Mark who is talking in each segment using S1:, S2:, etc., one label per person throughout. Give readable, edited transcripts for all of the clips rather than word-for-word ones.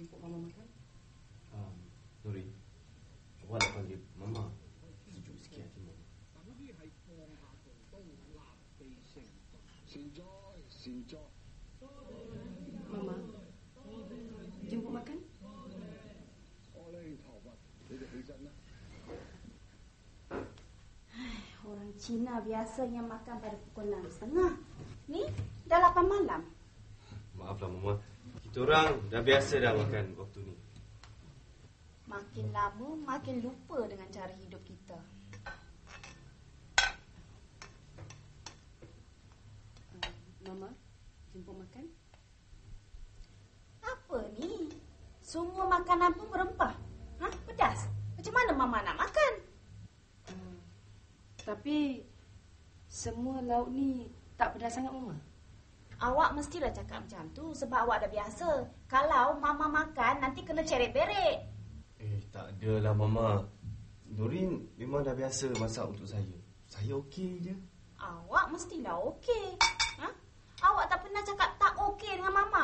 S1: jemput Mama makan?
S2: Nuri, awak nak panggil Mama. Sejuk sikit hati Mama.
S1: Mama, jemput makan?
S3: Orang Cina biasanya makan pada pukul 6.30. Ni dah 8 malam.
S2: Maaflah Mama, kita orang dah biasa dah makan waktu ni.
S3: Makin lama makin lupa dengan cara hidup kita.
S1: Mama, jemput makan?
S3: Apa ni? Semua makanan pun berempah. Pedas. Macam mana Mama nak makan?
S1: Tapi semua lauk ni tak pedas sangat, Mama.
S3: Awak mestilah cakap macam tu sebab awak dah biasa. Kalau Mama makan nanti kena ceret-beret.
S2: Tak adalah Mama. Nurin memang dah biasa masak untuk saya. Saya okey je.
S3: Awak mestilah okey. Awak tak pernah cakap tak okey dengan Mama.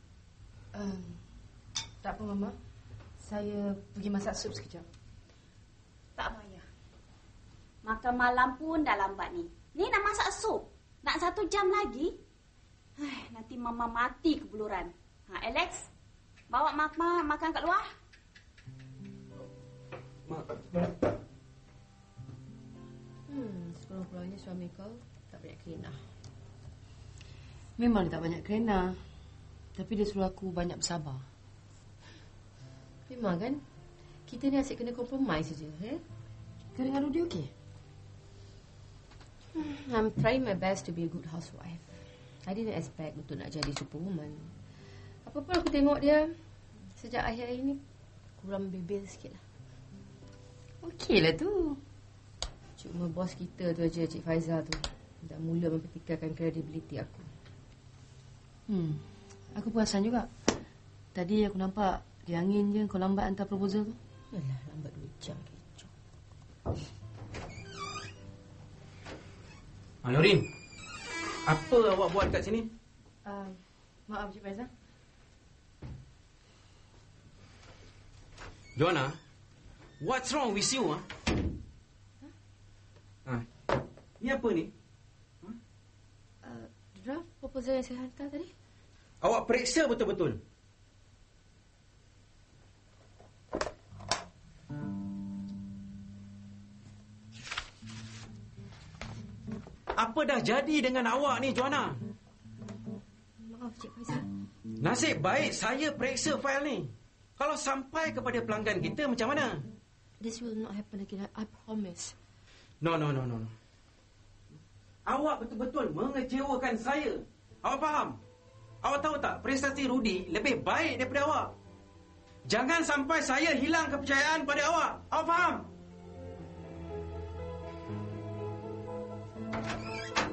S1: Tak apa, Mama. Saya pergi masak sup sekejap.
S3: Tak payah. Makan malam pun dah lambat ni. Ni nak masak sup. Nak 1 jam lagi. Nanti Mama mati kebuluran. Alex, bawa Mama makan kat luar.
S2: Mak.
S4: Sekurang-kurangnya suami kau tak banyak kerana.
S1: Memang dia tak banyak kerana. Tapi dia suruh aku banyak bersabar.
S4: Memang kan? Kita ni asyik kena compromise saja.
S1: Kau dengan Rudy okey?
S4: I'm trying my best to be a good housewife. I didn't expect untuk nak jadi superwoman. Apa-apa aku tengok dia, sejak akhir-akhir ni kurang bebel sikit lah.
S1: Okey lah tu.
S4: Cuma bos kita tu aja, Cik Faizal tu, dah mula mempertikaikan kredibiliti aku.
S1: Aku perasan juga. Tadi aku nampak dia angin je kau lambat hantar proposal tu.
S4: Alah, lambat 2 jam kecoh.
S5: Nurin, apa awak buat kat sini?
S1: Maaf Cik Faizal.
S5: Joanna, what's wrong with you? Ni apa ni?
S4: Draft proposal yang saya hantar tadi.
S5: Awak periksa betul-betul. Apa dah jadi dengan awak ni, Joanna?
S4: Maaf, Cik Faizal.
S5: Nasib baik saya periksa fail ni. Kalau sampai kepada pelanggan kita, macam mana?
S4: This will not happen again, I promise.
S5: No. Awak betul-betul mengecewakan saya. Awak faham? Awak tahu tak, prestasi Rudy lebih baik daripada awak. Jangan sampai saya hilang kepercayaan pada awak. Awak faham?